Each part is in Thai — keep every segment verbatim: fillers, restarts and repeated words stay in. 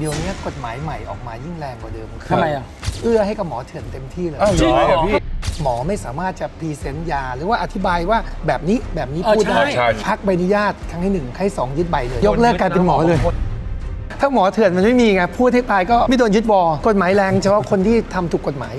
ดี๋ยวนี้กฎหมายใหม่ออกมายิ่งแรงกว่าเดิมทำไมอ่ะเอื้อให้กับหมอเถื่อนเต็มที่เลยจริงเหรอพี่หมอไม่สามารถจะพรีเซนต์ยาหรือว่าอธิบายว่าแบบนี้แบบนี้เออพูดได้ใช่พักใบอนุญาตครั้งที่หนึ่งครั้งที่สองยึดใบเลย ยกเลิกการเป็นหมอเลย ถ้าหมอเถื่อนมันไม่มีไงพูดให้ตายก็ไม่โดนยึดวอกฎหมายแรงเฉพาะคนที่ทำถูกกฎหมาย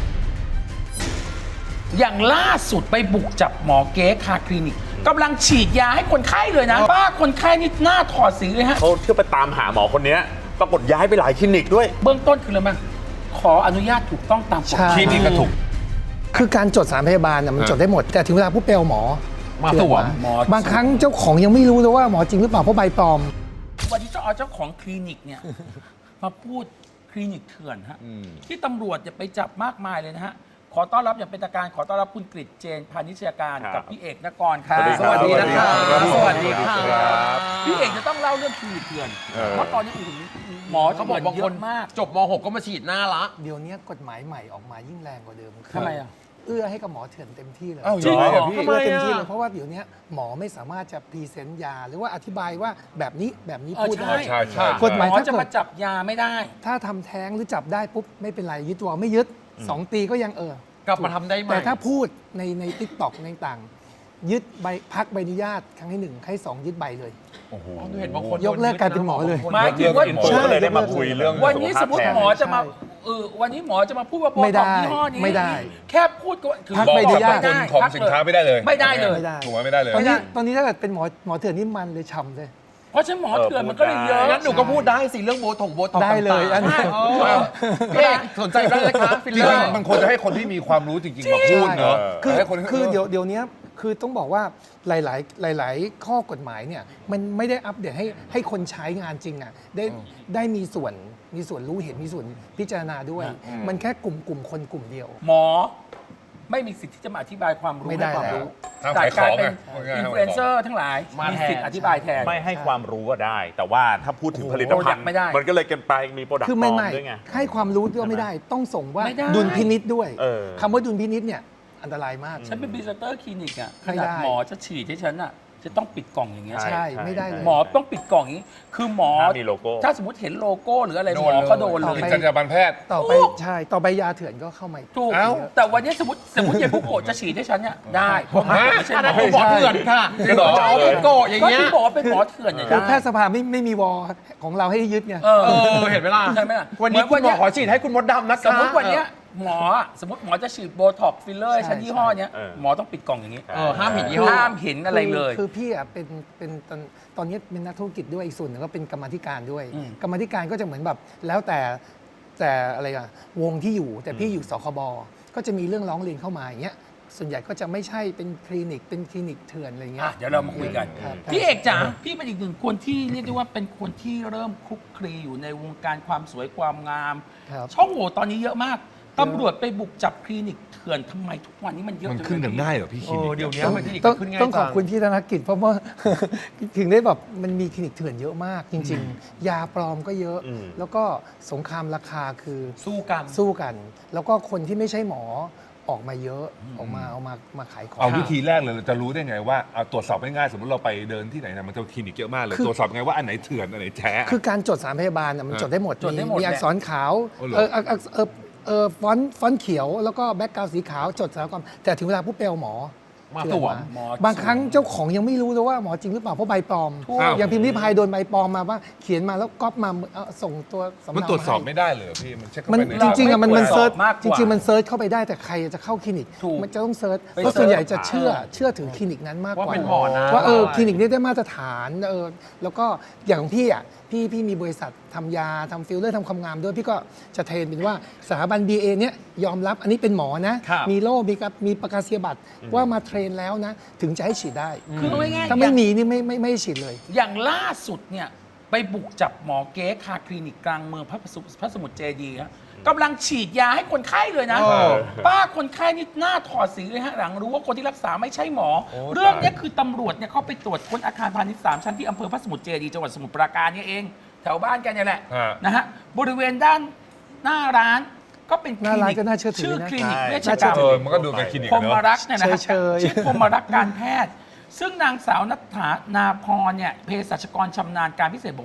อย่างล่าสุดไปบุกจับหมอเก๊คาคลินิกกำลังฉีดยาให้คนไข้เลยนะป้าคนไข้นี่หน้าถอดสีเลยฮะเขาเที่ยวไปตามหาหมอคนนี้ปรากฏย้ายไปหลายคลินิกด้วยเบื้องต้นคืออะไรมั้งขออนุญาตถูกต้องตามกฎหใช่มายคลินิกก็ถูกคือการจดสารพยาบาลน่ะมันจดได้หมด แต่ถึงเวลาผู้เปลหมอมาสวมหมอบางครั้งเจ้าของยังไม่รู้เลยว่าหมอจริงหรือเปล่าเพราะใบปลอมวันนี้ต้องเอาเจ้าของคลินิกเนี่ย มาพูดคลินิกเถื่อนฮะที่ตำรวจเนี่ยไปจับมากมายเลยนะฮะขอต้อนรับอย่างเป็นทางการขอต้อนรับคุณกฤษเจนพานิชยการครับกับพี่เอกนกรครับสวัสดีครับสวัสดีครับสวัสดีครับพี่เอกจะต้องเล่าเรื่องคลินิกเถื่อนเออเพราะตอนนี้โอ้โหหมอเขาบอกบางเยคนอะมากจบม หก ก็มาฉีดหน้าละเดี๋ยวนี้กฎหมายใหม่ออกมายิ่งแรงกว่าเดิมคืทำไมอ่ะเอื้อให้กับหมอเถื่อนเต็มที่เลยอ้าวจริงเหรอเหรอพี่เอื้อเต็มที่เลยเพราะว่าเดี๋ยวนี้หมอไม่สามารถจะพรีเซนต์ยาหรือว่าอธิบายว่าแบบนี้แบบนี้เออพูดได้ใช่ใช่กฎหมายหมอถ้าจะเกิมาดจับยาไม่ได้ถ้าทำแท้งหรือจับได้ปุ๊บไม่เป็นไรยึดตัวไม่ยึดสองปีก็ยังเออกลับมาทำได้ไหมแต่ถ้าพูดในในทิกตอกในต่างยึดใบพักใบอนุญาตครั้งที่หนึ่งครั้งที่สองยึดใบเลยโอ้โหเห็นบางคนยกเลิกการเป็นหมอเลยหมายถึงว่าใช่ก็เลยได้มาคุยเรื่องวันนี้สมมติสุขภาพแทนหมอจะมาเออวันนี้หมอจะมาพูดว่าโบไม่ท็ได้อกซ์ยี่ห้อนี้ไม่ได้แค่พูดก็คือพักบอกใบอนุกับญาตต้นทุนของสินค้าไม่ได้เลยไม่ได้เลยไม่ได้ถูกไหมไม่ได้เลยตอนนี้ตอนนี้ถ้าเกิดเป็นหมอหมอเถื่อนนี่มันเลยฉ่ำเลยเพราะฉะนั้นหมอเถื่อนมันก็เลยเยอะงั้นหนูก็พูดได้สิเรื่องโบท็อกโบท็อกได้เลยอันนี้พี่เอกสนใจได้เลยครับฟิลจริเลอง ร์ๆมันควรจะให้คนที่มีความรู้จริงๆมาพูดเนอะคือให้คนคือเดี๋ยวเดี๋ยวนี้คือต้องบอกว่าหลาย ๆ หลาย ๆ ข้อกฎหมายเนี่ยมันไม่ได้อัปเดตให้ให้คนใช้งานจริงอ่ะได้ได้มีส่วนมีส่วนรู้เห็นมีส่วนพิจารณาด้วย มันแค่กลุ่มกลุ่มคนกลุ่มเดียวหมอไม่มีสิทธิ์ที่จะมาอธิบายความรู้ไม่ได้ให้ความรู้แล้วแต่กลายเป็นห้ามขายของไงอินฟลูเอนเซอร์ทั้งหลายมามีมีสิทธิ์อธิบายแทนไม่ให้ความรู้ก็ได้ แต่ว่าถ้าพูดถึงผลิตภัณโปรดักต์ฑ์ไม่ได้มันก็เลยเกันไปมีโปรดักต์คือปลไม่อมไม่ด้วยไงให้ความรู้ก็ไม่ได้ ต้องส่งว่าไม่ได้ดุลพินิษด้วยเออคำว่าดุลพินิษเนี่ยอันตรายมากฉันเป็นพรีเซนเตอร์คลินิกอ่ะขไม่นาได้ดหมอจะฉีดให้ฉันอ่ะจะต้องปิดกล่องอย่างเงี้ยใช่ใช่ไม่ได้เลยหมอต้องปิดกล่องอย่างนี้ คือหมอห้ามมีโลโก้ถ้าสมมติเห็นโลโก้หรืออะไรโดหมนอเลยก็โดนเลต่อย ไปจรรยาบรรณแพทย์ต่อไปถูกใช่ต่อไปยาเถื่อนก็เข้ามาอีกถูกเอ้าแต่วันนี้สมมติสมมติยายบุโกะจะฉีดให้ฉันเนี่ยได้เพราะมันไม่ใช่อันหมนั้นอผมบอกเถื่อนค่ะจริงเหรอจะเอาเป็นโกะอย่างก็เงี้ยที่บอกว่าเป็นหมอเถื่อนเนี่ยคือได้แพทยสภาไม่ไม่มีวอของเราให้ยึดไงเออเออเห็นไหมล่ะใช่ไหมล่ะวันนี้เหมืคุอนณหมวัอนเนี้ยขอฉีดให้คุณมดดำนะคะสมมติวันเนี้ยหมออะสมมติหมอจะฉีดโบท็อกซ์ฟิลเลอร์ให้ฉันใช่ยี่ห้อเนี้ยเออหมอต้องปิดกล่องอย่างนี้เออห้ามเห็นยี่ห้อห้ามเห็นอะไรเลยคือคือพี่อ่ะเป็นเป็นตอนตอนนี้เป็นนักธุรกิจด้วยอีกส่วนหนึ่งก็เป็นกรรมาธิการด้วยอืมกรรมาธิการก็จะเหมือนแบบแล้วแต่แต่อะไรอะวงที่อยู่แต่พี่อยู่สคบก็จะมีเรื่องร้องเรียนเข้ามาอย่างเงี้ยส่วนใหญ่ก็จะไม่ใช่เป็นคลินิกเป็นคลินิกเถื่อนอะไรเงี้อ่ะยเดี๋ยวเรามาคุยกันครับพี่เอกจ๋าพี่เป็นอีกหนึ่งคนที่เรียกได้ว่าเป็นคนที่เริ่มคลุกคลีอยู่ในวงการความสวยความงามครับช่องโหว่ตอนนี้เยอะมากตำรวจไปบุกจับคลินิกเถื่อนทำไมทุกวันนี้มันเยอะมันจังขึ้นกันเลยง่ายเหรอพี่คลิโอ้นิกเดี๋ยวนี้ต้องมันคลินิกต้องขึ้นง่ายต้องขอบจังคุณพี่ธนกิจเพราะว่า ถึงได้แบบมันมีคลินิกเถื่อนเยอะมากจริง ๆ ยาปลอมก็เยอะอืมแล้วก็สงครามราคาคือสู้กันสู้กัน แล้วก็คนที่ไม่ใช่หมอออกมาเยอะออกมาเอามามาขายของเอาวิธีแรกเลยเราจะรู้ได้ไงว่าเอาตรวจสอบง่ายๆสมมติเราไปเดินที่ไหนนะมันจะคลินิกเยอะมากเลยคือตรวจสอบไงว่าอันไหนเถื่อนอันไหนแท้คือการจดสารพยาบาลน่ะมันอ่าจดได้หมดจดได้หมดมีอักษรขาวอ๋อเหรอเออเออเออเออเออฟอนต์ฟอนต์เขียวแล้วก็แบ็กกราวด์สีขาวจดสารความแต่ถึงเวลาผู้เปลหมอมาเถื่อนสวมหมอบางครั้งเจ้าของยังไม่รู้เลยว่าหมอจริงหรือเปล่าเพราะใบปลอมถูกอย่างพิมพ์ริพายโดนใบปลอมมาว่าเขียนมาแล้วก๊อปมาเอาส่งตัวสำมันเนาตรวจสอบาให้ไม่ได้เลยเหรอพี่มันเช็คเข้ามันไปในจริงๆอะมันมันไม่ตรวจเซิร์ชสอบมากกว่าจริงๆมันเซิร์ชเข้าไปได้แต่ใครจะเข้าคลินิกถูกมันจะต้องเซิร์ชไปเพราะเซิร์ชส่วนใหญ่จะเชื่อเชื่อถือคลินิกนั้นมากกว่าว่าเป็นหมอนะว่าเออคลินิกนี้ได้มาตรฐานเออแล้วก็อย่างของพี่อ่ะพี่พี่มีบริษัททำยาทำฟิลเลอร์ทำความงามด้วยพี่ก็จะเทรนเป็นว่าสถาบัน บี เอ เนี้ยยอมรับอันนี้เป็นหมอนะครับมีโล่มีกับมีประกาศนียบัตรว่ามาเทรนแล้วนะ ถึงจะให้ฉีดได้คือเอาง่ายๆถ้าไม่มีนี่ไม่ไม่ไม่ให้ฉีดเลยอย่างล่าสุดเนี่ยไปบุกจับหมอเก๊คาคลินิกกลางเมืองพระสมุทรพระสมุทรเจดีย์ฮะกำลังฉีดยาให้คนไข้เลยนะเออป้าคนไข้นี่หน้าถอดสีเลยฮะหลังรู้ว่าคนที่รักษาไม่ใช่หมอ เรื่องเนี้ยคือตำรวจเนี่ยเขาไปตรวจค้นอาคารพาณิชย์สามชั้นที่อำเภอพระสมุทรเจดีย์จังหวัดสมุทรปราการเนี่ยเอง แถวบ้านกันเนี่ยแหละฮะนะฮะบริเวณด้านหน้าร้านก็เป็นคหน้าลิร้านนิกก็น่าเชื่อถือชื่อนะคลินิกใช่เวชน่าเชื่กรอรมถืเออมันก็ดูเป็นคลินิกพรอะหมเนาะรักษ์เนี่ยนะฮะเฉยๆชื่อพรหมรักษ์การแพทย์ ซึ่งนางสาวนัทธานาพรเนี่ยเภสัชกรชำนาญการพิเศษบอกว่า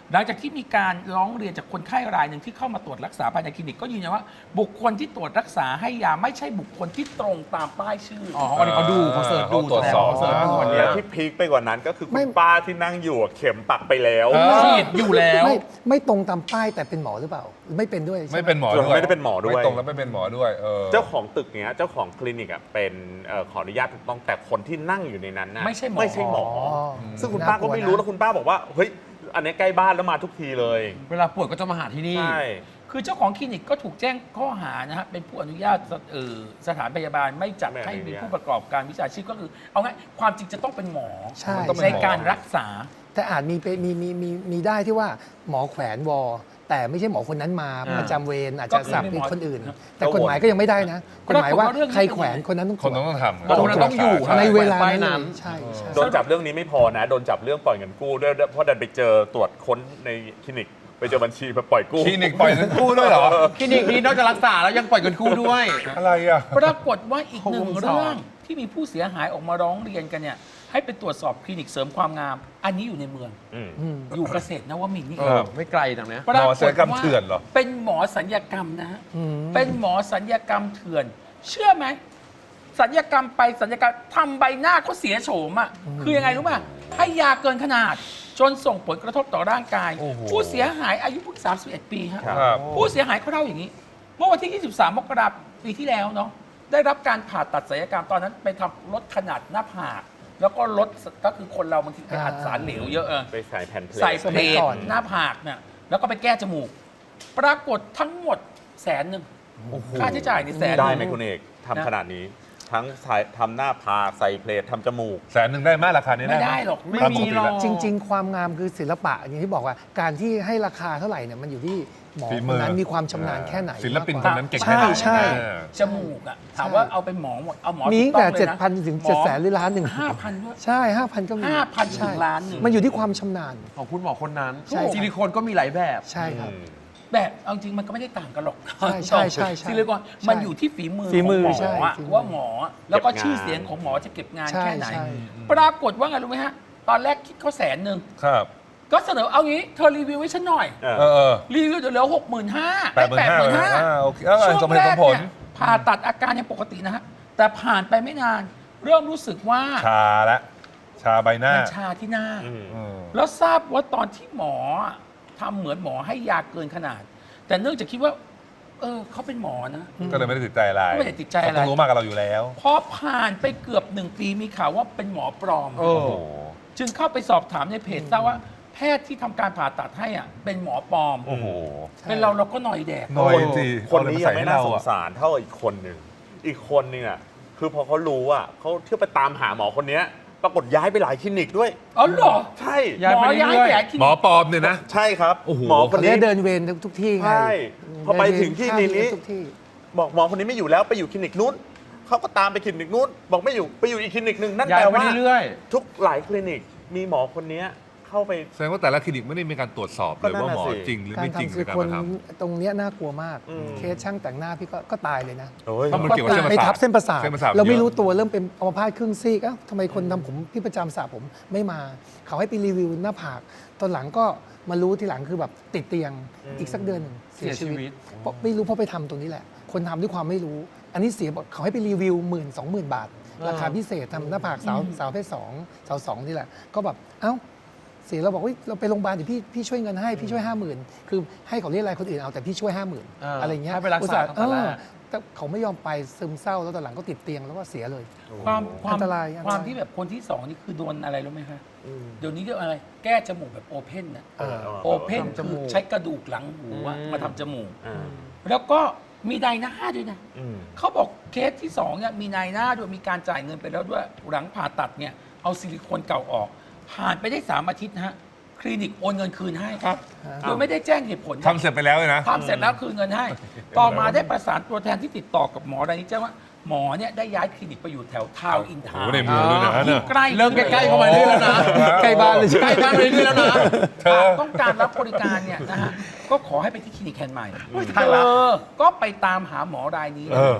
หลังจากที่มีการร้องเรียนจากคนไข้รายหนึ่งที่เข้ามาตรวจรักษาภายในคลินิกก็ยืนยันว่าบุคคลที่ตรวจรักษาให้ยาไม่ใช่บุคคลที่ตรงตามป้ายชื่ออ๋อวันนี้เขาดูเขาเสิร์ชดูเขาตรวจสอบเขาเสิร์ชดูวันวันนี้นี้ที่พีคไปกว่านั้นก็คือคุไม่ณป้าที่นั่งอยู่อะเข็มปักไปแล้วเออฉีดอยู่แล้วไม่ไม่ตรงตามป้ายแต่เป็นหมอหรือเปล่า ไม่เป็นด้วยใช่หไม่เป็นหมอส่วนด้วยไม่ได้เป็นหมอด้วยไม่ตรงแล้วไม่เป็นหมอด้วยเออเจ้าของตึกเนี้ยเจ้าของคลินิกอ่ะเป็นเอ่อขออนุญาตถูกต้องแต่คนที่นั่งอยู่ในนั้นนะไม่ใช่หมอไม่ใช่หมออ๋อซึ่งคุณป้าก็ไม่รู้แล้วคุณป้าบอกว่าเฮ้ยอันนี้ใกล้บ้านแล้วมาทุกทีเลยเวลาปวดก็จะมาหาที่นี่ใช่คือเจ้าของคลินิกก็ถูกแจ้งข้อหานะฮะเป็นผู้อนุญาตเอ่อสถานพยาบาลไม่จัดไม่อนุญาตให้มีผู้ประกอบการวิชาชีพก็คือ เอาง่ายความจริงจะต้องเป็นหมอใช่มันต้องเป็ในนหมอการรักษาแต่อาจมีไปมีมีมีมีได้ที่ว่าหมอแขวนวอ แต่ไม่ใช่หมอคนนั้นมาอ่าประจำเวรอาจก็จะคือสับไม่เป็นหมอคนอื่นครับแต่กฎหมายก็ยังไม่ได้นะกฎหมายว่าปรากฏว่าเรื่องนี้ใครแขวนคนนั้นต้องคนต้องต้องทำบอกคนนั้นต้องอยู่ใช่ในเวลาไปนั้นนั้นเลยใช่ใช่โดนจับเรื่องนี้ไม่พอนะ โดนจับเรื่องปล่อยเงินกู้ด้วยเพราะดันไปเจอตรวจค้นในคลินิก ไปเจอบัญชีมาปล่อยกู้คลินิกปล่อยเงินกู้ด้วยเหรอคลินิกนี้นอกจากรักษาแล้วยังปล่อยเงินกู้ด้วยอะไรอ่ะปรากฏว่าอีกหนึ่งวงจรเรื่องที่มีผู้เสียหายออกมาร้องเรียนกันเนี่ยให้ไปตรวจสอบคลินิกเสริมความงาม อันนี้อยู่ในเมืองอืมอืมอยู่เกษตรนวมินทร์นี่เอเอองไม่ไกลตรงเนี้ยปรากหมอศัลยกรรมว่าเถื่อนเหรอเป็นหมอสัญญกรรมนะฮะอืมเป็นหมอสัญญกรรมเถื่อน เชื่อไหมสัญญกรรมไปสัญญกรรมทำใบหน้าเขาเสียโฉมอ่ะคือยังไงรู้ป่ะให้ยาเกินขนาด จนส่งผลกระทบต่อร่างกายโอ้โหผู้เสียหายอายุเพิ่งสามสิบเอ็ดปีฮะครับผู้เสียหายเขาเล่าอย่างนี้ เมื่อวันที่ ยี่สิบสาม มกราคมปีที่แล้วเนาะได้รับการผ่าตัดศัลยกรรมตอนนั้นไปทำลดขนาดหน้าผากแล้วก็ลดก็คือคนเราบางทีไปอัดสารเหลวเยอะเออไปใส่แผ่นเพลทใส่เพลสมัยทก่อนหน้าผากเนี่ยแล้วก็ไปแก้จมูก ปรากฏทั้งหมดแสนหนึ่งค่าใช้จ่ายในแสนได้นึ่งไหมคุณเอกนะทำขนาดนี้ ทั้งใส่ทำหน้าผากใส่เพลททำจมูกแสนหนึ่งได้ไหมราคานี้ไม่ได้ได้หรอกไม่ตามีปกติหรอกแล้วจริง ๆ ความงามคือศิลปะอย่างที่บอกว่า การที่ให้ราคาเท่าไหร่เนี่ยมันอยู่ที่หมอฝีคมืนอนั้นมีความชำนาญแค่ไหนศิลปินมากคกนว่านั้นเก่งใช่แค่ไหนใช่เออจมูกอะถามว่าเอาเป็นหมอหมดเอาหมอมีถูตั้งกแต่องลยนะเจ็ดพันถึงเจ็ดแสนหรือล้านหนึ่งห้าพันด้วยใช่ห้าพันก็มีห้าพันถึใช่งล้านหนึ่งมันอยู่ที่ความชำนาญของคุณหมอคนนั้นใช่ซิลิโคนก็มีหลายแบบใช่ครับแบบเอาจริงมันก็ไม่ได้ต่างกันหรอกใช่ใช่ใช่ใช่ซิลิโคนมันอยู่ที่ฝีมือฝีมือของหใช่มออะฝีมือว่าหมอแล้วก็เก็บงานชื่อเสียงของหมอจะเก็บงานใช่แค่ไหนใช่ปรากฏว่าไงรู้ไหมฮะ ตอนแรกคิดเขาแสนหนึ่งครับก็เสนอเอางี้เธอรีวิวให้ฉันหน่อยเออเออเออรีวิวเดี๋ยวเหลือหกหมื่นห้าแปดหมื่นห้าหมื่นห้าอ่าโอเคเออช่วงสมเหแรตุสกมผลเนี่ยผ่าตัดอาการยังปกตินะฮะ แต่ผ่านไปไม่นาน เริ่มรู้สึกว่าชาละชาใบหน้ามันชาที่หน้าอืมอืมแล้วทราบว่าตอนที่หมอทำเหมือนหมอให้ยาเกินขนาด แต่เนื่องจากคิดว่า เออเขาเป็นหมอนะก็เลยไม่ได้ติดใจอะไรก็ไม่ได้ติดใจอะไรเขาต้องรู้มากกับเราอยู่แล้วพอผ่านไปเกือบหนึ่งปีมีข่าวว่าเป็นหมอปลอมโอ้โอ้โหจึงเข้าไปสอบถามในเพจทราบว่าแพทย์ที่ทำการผ่าตัดให้อ่ะเป็นหมอปลอมโอ้โหเป็นเราเราก็หน่อยแดกหน่อยสิคนนี้ยังเออะรไม่ใส่น่าให้สงอะสารเท่าอีกคนหนึ่ง อีกคนนึงอ่ะ คือพอเขารู้อ่ะเขาเที่ยวไปตามหาหมอคนเนี้ยปรากฏย้ายไปหลายคลินิกด้วยอ๋อเหรอใช่ย้ายหมไปอเรื่อยๆย้ายไปหลายคลินิกหมอปลอมเนี่ยนะใช่ครับโอ้โหหมอคคนนนี้นี้เดินเวรทุกที่ไงใช่พอไปถึงที่นี้นี้ทุกที่บอกหมอคนนี้ไม่อยู่แล้วไปอยู่คลินิกนู้นเขาก็ตามไปคลินิกนู้นบอกไม่อยู่ไปอยู่อีกคลินิกหนึ่งนั่นย้าแปยลไปว่าเรื่อยทุกหลายคลินิกมีหมอคนนี้เข้าไปแสดงว่าแต่ละคลินิกไม่ได้มีการตรวจสอบก็เลยนั่นว่าน่ะหมอสิจริงหรือการไม่จริงทำในซิลิการโคนมาทตรงเนี้ยน่ากลัวมากอืมเคสช่างแต่งหน้าพี่ก็ก็ตายเลยนะโอ้ยเพราะมันเกี่ยวกับเส้นประไปสาททับเส้นประสาทเส้นประสาทเราไม่เยอะรู้ตัวเริ่มเป็นอัมพาตครึ่งซีกเอ้าทำไมคนทำผมที่ประจำสระผมไม่มา เขาให้ไปรีวิวหน้าผาก ตอนหลังก็มารู้ทีหลังคือแบบติดเตียงอีกสักเดือนหนึ่งๆ เสียชีวิตเพราะไม่รู้เพราะไปทำตรงนี้แหละ คนทำด้วยความไม่รู้ อันนี้เสียบอกเขาให้ไปรีวิวหมื่นสองหมื่นบาท ราคาพิเศษทำหน้าผากสาวสาวเพศสองสาวสองนี่แหละ ก็แบบเอ้าเสียเราบอกว่าเราไปโรงพยาบาลเดี๋ยวพี่พี่ช่วยเงินให้พี่ช่วยห้าหมื่นคือให้เขาเรียกอะไรคนอื่นเอาแต่พี่ช่วยห้าหมื่นเออออะไรเงี้ยให้ไปรักษาอุตส่ห์ตั้งแต่แรกเออแต่เขาไม่ยอมไปซึมเศร้าแล้วตอนหลังก็ติดเตียงแล้วก็เสียเลยความความอันตรายอันตรายความที่แบบคนที่สองนี่คือโดนอะไรรู้ไหมคะเดี๋ยวนี้เรียกอะไร แก้จมูกแบบโอเพนนะเออโอเพนทำจคืมูอก ใช้กระดูกหลังหูอะอืมมาทำจมูกอ่าแล้วก็มีนายหน้าด้วยนะอืมเขาบอกเคสที่สองเนี่ยมีนายหน้าด้วยมีการจ่ายเงินไปแล้วด้วยหลังผ่าตัดเนี่ยเอาซิลิโคนเก่าออก ผ่านไปได้สามอาทิตย์นะฮะคลินิกโอนเงินคืนให้ครับโดยไม่ได้แจ้งเหตุผลำทำเสร็จไปแล้วเลยนะทำเสร็จแล้วคืนเงินให้ ต่อมาได้ประสานตัวแทนที่ติดต่อกับหมอรายนี้แจ้งว่าหมอเนี่ยได้ย้ายคลินิกไปอยู่แถวทาวน์อินทาวโอ้น์โหในเมืองด้วยนะที่เนี่ยใกล้เริ่มใกล้ๆเข้ามาเรื่อยแล้วนะใกล้บ้านเลยใกล้บ้านไปเรื่อยแล้วนะเธอต้องการรับบริการเนี่ยนะฮะก็ขอให้ไปที่คลินิกแห่งใหม่ตายละเออก็ไปตามหาหมอรายนี้เออ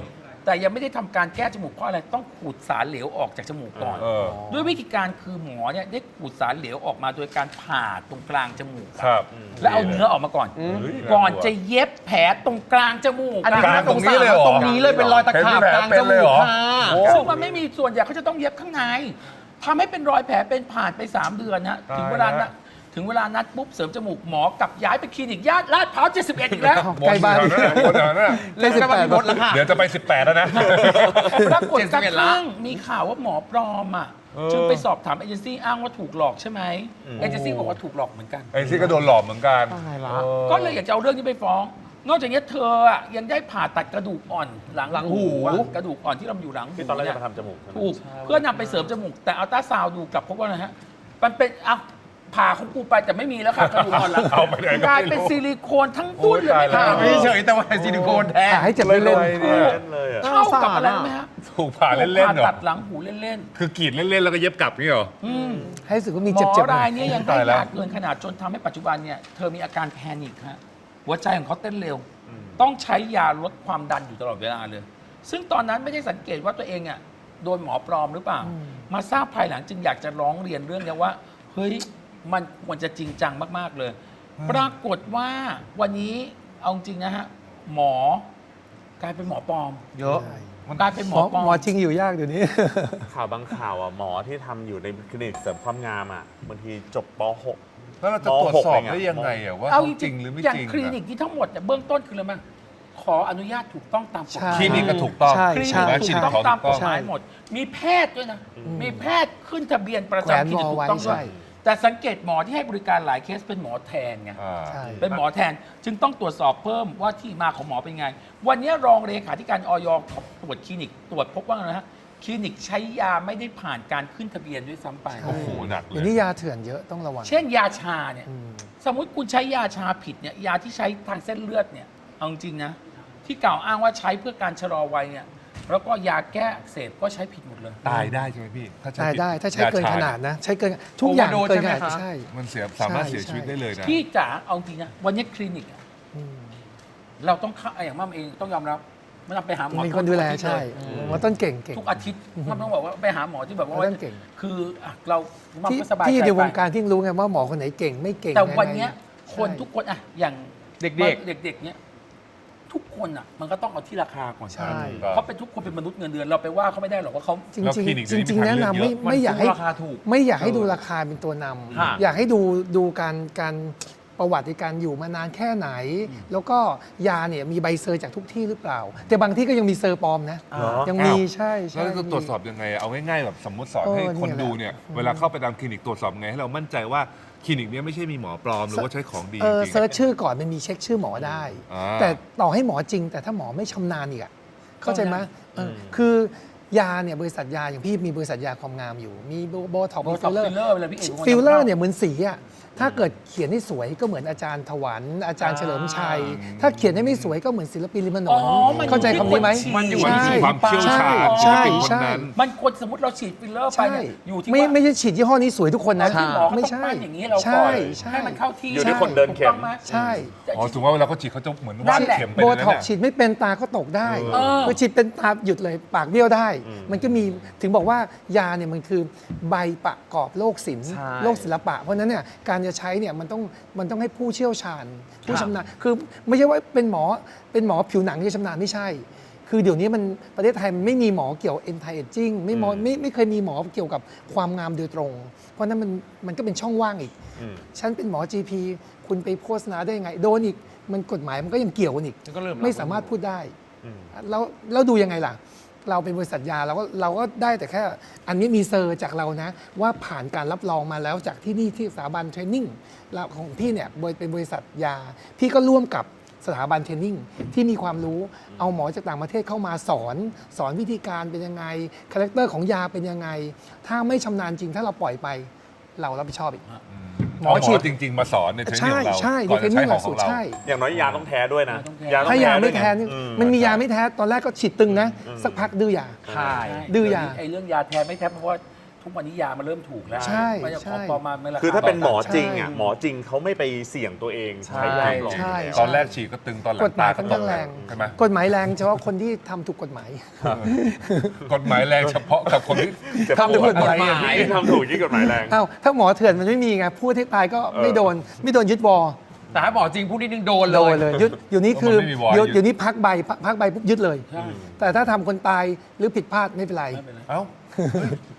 แต่ยังไม่ได้ทำการแก้จมูกเพราะอะไรต้องขูดสารเหลวออกจากจมูกก่อนเออด้วยวิธีการคือหมอเนี่ยได้ขูดสารเหลวออกมาโดยการผ่าตรงกลางจมูกครับแล้วเอาเนื้อออกมาก่อนเฮ้ยก่อนจะเย็บแผลตรงกลางจมูกอันนี้กลางตรงนี้เลยเหรอตรงนี้เลยเป็นรอยตะขาบกลางจมูกค่ะซึ่งมันไม่มีส่วนใหญ่เขาจะต้องเย็บข้างในทำให้เป็นรอยแผลเป็นผ่านไป สาม เดือนฮะถึงเวลานัดถึงเวลานัดปุ๊บเสริมจมูกหมอกลับย้ายไปคลินิกญาติลาดพร้าวเจ็ดสิบเอ็ดอีกแล้วใกล้บ้านหมดแถวนั้นหมดแถวนั้นใกล้สิบแปดหมดแล้วค่ะเดี๋ยวจะไปสิบแปดแล้วนะปรากฏกระเจ็ดสิบเอ็ดละทั่งมีข่าวว่าหมอปลอมอ่ะเออจึงไปสอบถามเอเจนซี่อ้างว่าถูกหลอกใช่ไหมเอเจนซี่บอกว่าถูกหลอกเหมือนกันไอ้ที่ก็โดนหลอกเหมือนกันตายละออก็เลยอยากจะเอาเรื่องนี้ไปฟ้อง นอกจากนี้เธออ่ะยังได้ผ่าตัดกระดูกอ่อนหลังหลังหูอะกระดูกอ่อนที่เราอยู่หลังหูที่ตอนแรกเนี่จะยมาทำจมูกใช่ไหมถูกเพื่อนำไปเสริมจมูก แต่อัลตราซาวด์ดูกลับพบว่าอะไรฮะมันเป็นอ่ะผ่าของกูไปแต่ไม่มีแล้วค่ะกระดูกอ่อนหลังเอาไปไหนก็ไม่รู้กลายเป็นซิลิโคนทั้งตุ้นเลยโอ้ยตายแล้วไม่ผ่าไม่เฉยแต่ว่าซิลิโคนแท้หาให้เจ็บเล่นเลยเนี่ยเล่นเลยอ่ะเท่ากับอะไรรู้ไหมฮะถูกผ่าเล่นๆเหรผ่าอตัดหลังหูเล่นคือกรีดเล่นๆแล้วก็เย็บกลับนี่เหรอๆอืมให้รู้สึกว่ามีหมเจ็บอเจ็บๆหน่ราอย ยนี้ยังให้ตายแล้วยาเกินขนาดจนทำให้ปัจจุบันเนี่ยเธอมีอาการแพนิคฮะหัวใจของเขาเต้นเร็ว ต้องใช้ยาลดความดันอยู่ตลอดเวลาเลย ซึ่งตอนนั้นไม่ได้สังเกตว่าตัวเองอ่ะโดนหมอปลอมหรือเปล่า มาทราบภายหลังจึงอยากจะร้องเรียนเรื่องนี้ว่า เฮ้ย มันควรจะจริงจังมาก ๆ เลย ปรากฏว่าวันนี้เอาจริงนะฮะ หมอกลายเป็นหมอปลอมเยอะกลายเป็นหหมมออปลอมหมอจริงอยู่ยากเดี๋ยวนี้ข่าวบางข่าวอ่ะหมอที่ทำอยู่ในคลินิกเสริมความงามอ่ะบางทีจบป .หกแล้วเราจะตรวจสอบได้ยังไงอะว่าเอาเขาจจริริงงหรือไม่ๆอย่างจริงคลินิกที่ทั้งหมดเนี่ยเบื้องต้นคืออะไรมั้งขออนุญาตถูกต้องตามกฎหใช่มายคลินิกก็ถูกต้องใช่คลินิใช่กและถูฉีกดต้องของตามถูกกฎต้องหมายหมด มีแพทย์ด้วยนะ มีแพทย์ขึ้นทะเบียนประแขวนจำคลินิกวอถูไว้กต้องด้วยใช่แต่สังเกตหมอที่ให้บริการหลายเคสเป็นหมอแทนไงอ่าใช่เป็นหมอแทนจึงต้องตรวจสอบเพิ่มว่าที่มาของหมอเป็นไง วันนี้รองเลขาธิการออยเขาตรวจคลินิก ตรวจพบว่าไงนะฮะคลินิกใช้ยาไม่ได้ผ่านการขึ้นทะเบียนด้วยซ้ำไปโอ้โหหนักเลเดี๋ยวย นี้ยาเถื่อนเยอะต้องระวังเช่นยาชาเนี่ยอืมสมมุติคุณใช้ยาชาผิดเนี่ยยาที่ใช้ทางเส้นเลือดเนี่ยเอาจริงๆนะที่กล่าวอ้างว่าใช้เพื่อการชะลอวัยเนี่ยแล้วก็ยาแก้อักเสบก็ใช้ผิดหมดเลยตายได้ใช่ไหมพี่ ถ้าใช้ได้ผิได้ถ้าใช้เกินยชขนาดนะ ใช้เกินทุกอย่าง Overdose เกินขนาดใช่ไหมคะใช่มันเสียสามารถใช่เสียชีวิตใช่ได้เลยนะพี่จ๋าเอาจริงนะวันนี้คลินิกอะอืมเราต้องเข้าอย่างมั่มเองต้องยอมรับไม่ต้องไปหาหมอมีคนดูแลทุกอาทิตย์ใช่เลยหมอต้นเก่งเก่งทุกอาทิตย์มั่มต้องบอกว่าไปหาหมอที่แบบว่าหมอต้นเก่งคืออ่ะเรามั่มที่ก็สบายใจที่ในวงไปการที่รู้ไงว่าหมอคนไหนเก่งไม่เก่งแต่ยังไงวันเนี้ยคนใช่ทุกคนอะอย่างเด็กเด็กๆเนี้ยทุกคนอะมันก็ต้องเอาที่ราคาก่อนใช่เพราะเป็นทุกคนเป็นมนุษย์เงินเดือนเราไปว่าเขาไม่ได้หรอกว่าเขาจริงแล้วจริงคลินิกจริงจริงเดี๋ยวนี้แนะมีนำไม่ทางเลือกเยอะไม่อยากให้ราคาถูกไม่อยากให้ดูราคาเป็นตัวนฮะำอยากให้ดูดูการการประวัติการอยู่มานานแค่ไหน แล้วก็ยาเนี่ยมีใบเซอร์จากทุกที่หรือเปล่า แต่บางที่ก็ยังมีเซอร์ปลอมนะเหรอยังมีใช่ใช่แล้วจะตรวจสอบยังไง เอาง่ายๆแบบสมมติสอนเออให้คนเนี่ยแหละดูเนี่ย เวลาเข้าไปตามคลินิกตรวจสอบยังไงให้เรามั่นใจว่าคลินิกเนี้ยไม่ใช่มีหมอปลอมหรือว่าใช้ของดีเออจริงเซิร์ชชื่อก่อนมันมีเช็คชื่อหมอได้อ่าแต่ต่อให้หมอจริง แต่ถ้าหมอไม่ชำนาญอีกอะเข้าใจไหมเออคือยาเนี่ยบริษัทยาอย่างพี่มีบริษัทยาความงามอยู่ มีโบท็อกโบมีท็ฟิอกลเลอร์ฟิลเลอร์เวลาพี่เอกฟิลเลอร์เนี่ยเหมือนสีอะถ้าเกิดเขียนให้สวยก็เหมือนอาจารย์ถวันอาจารย์เฉลิมชัย ถ้าเขียนให้ไม่สวยก็เหมือนศิลปินริมถนอ๋อน มันเข้าใจคำนี้ไหมมันอยู่มันที่มีความเชี่ยวชาญใช่ศิลปินคนใช่นั้นมันควรสมมติเราฉีดฟิลเลอร์ไปใช่เนี่ยอยู่ที่ไม่ว่าไม่ใช่ฉีดยี่ห้อนี้สวยทุกคนนะที่หมอเขาไม่ต้องใช่ปั้นอย่างนี้เราก่ใช่อนใช่ให้มันเข้าที่อยู่ที่คนเดินเข็มถูกต้องไหใช่อ๋อถึงว่าเวลาเขาฉีดเขาจะเหมือนนั่วาดนแหละเข็มไปโบเลยนะท็อกเนี่ยฉีดไม่เป็นตาก็ตกได้เออคือฉีดเป็นตาหยุดเลยปากเบี้ยวได้อืมมันก็มีถึงบอกว่ายาเนี่ยมันคือใบประกอบโรคศิลป์ใช่โรคศิลปะ เพราะฉะนั้นเนี่ยการจะใช้เนี่ยมันต้องมันต้องให้ผู้เชี่ยวชาญ ผู้ชำนาญคือไม่ใช่ว่าเป็นหมอเป็นหมอผิวหนังที่ชำนาญไม่ใช่ คือเดี๋ยวนี้มันประเทศไทยมันไม่มีหมอเกี่ยว anti aging ไม่หมอไม่ไม่เคยมีหมอเกี่ยวกับความงามโดยตรง เพราะฉะนั้นมันมันก็เป็นช่องว่างอีกอืมฉันเป็นหมอ จี พี คุณไปโฆษณาได้ยังไง โดนอีก มันกฎหมายมันก็ยังเกี่ยวกันอีกมันก็เริ่มไม่สามารถพูดได้อืมแล้วแล้วดูยังไงล่ะ เราเป็นบริษัทยาเราก็เราก็ได้แต่แค่ อันนี้มีเซอร์จากเรานะ ว่าผ่านการรับรองมาแล้วจากที่นี่ที่สถาบันเทรนนิ่งแล้วของพี่เนี่ยบริเป็นบริษัทยา พี่ก็ร่วมกับสถาบันเทรนนิ่งที่มีความรู้เอาหมอจากต่างประเทศเข้ามาสอน สอนวิธีการเป็นยังไงคาแรคเตอร์ของยาเป็นยังไง ถ้าไม่ชำนาญจริงถ้าเราปล่อยไป เรารับผิดชอบอีกหมอฉีดจริง ๆ มาสอนในเทรนนิ่งใช่ของเราใช่ก่อนเทรจะนใช้นิ่งหขลัองกขสูองตรเราใช่อย่างน้อยยาต้องแท้ด้วยนะต้องแท้ยาต้องถ้ายาไม่ด้วแท้ไงนี่อืมันมียาไม่แท้ตอนแรกก็ฉีดตึงนะ สักพักดื้อยาใช่ดื้อยาไอ้เรื่องยาแท้ไม่แท้เพราะว่าทุกวันนี้ยามันเริ่มถูกแล้วใช่ไม่จะใช่ของปลอมมาไม่ราคาคือถ้าเป็นหมอจริงใช่อ่ะหมอจริงเขาไม่ไปเสี่ยงตัวเองใช้ยาปลอมใช่ตอนแรกฉีดก็ตึงตอนหลังกฎหมายตค่อนข้างแรงใช่ไหมกฎหมายแรงเฉพาะคนที่ทำถูกกฎหมายกฎหมายแรงเฉพาะกับคนที่ทำถูกกฎหมายที่ทำถูกที่กฎหมายแรงอ้าวถ้าหมอเถื่อนมันไม่มีไงพูดให้ตายก็ไม่โดน ไม่โดนยึดวอแต่ถ้าหมอจริงพูดนิดนึงโดนเลโดยนเลยยึดอยู่นี้คือมันไม่มีวอร์เดี๋ยวยึดเดี๋ยวนี้พักใบพักพักใบปุ๊บยึดเลยใช่แต่ถ้าทำคนตายหรือผิดพลาดไม่เป็นไรไม่เป็นไรเอ้า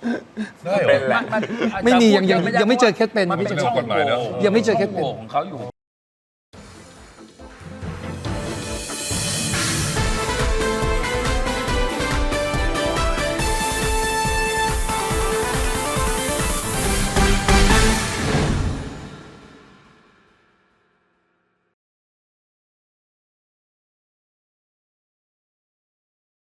ได้เหรเป็นอแหละมันไม่มียังยังพูดยังไม่เจอเคสเป็นมันไม่เป็นเจอช่องกฎหมายโหเนอะว่ยังไม่เจอเคสเป็นช่องโหว่ของเขาอยู่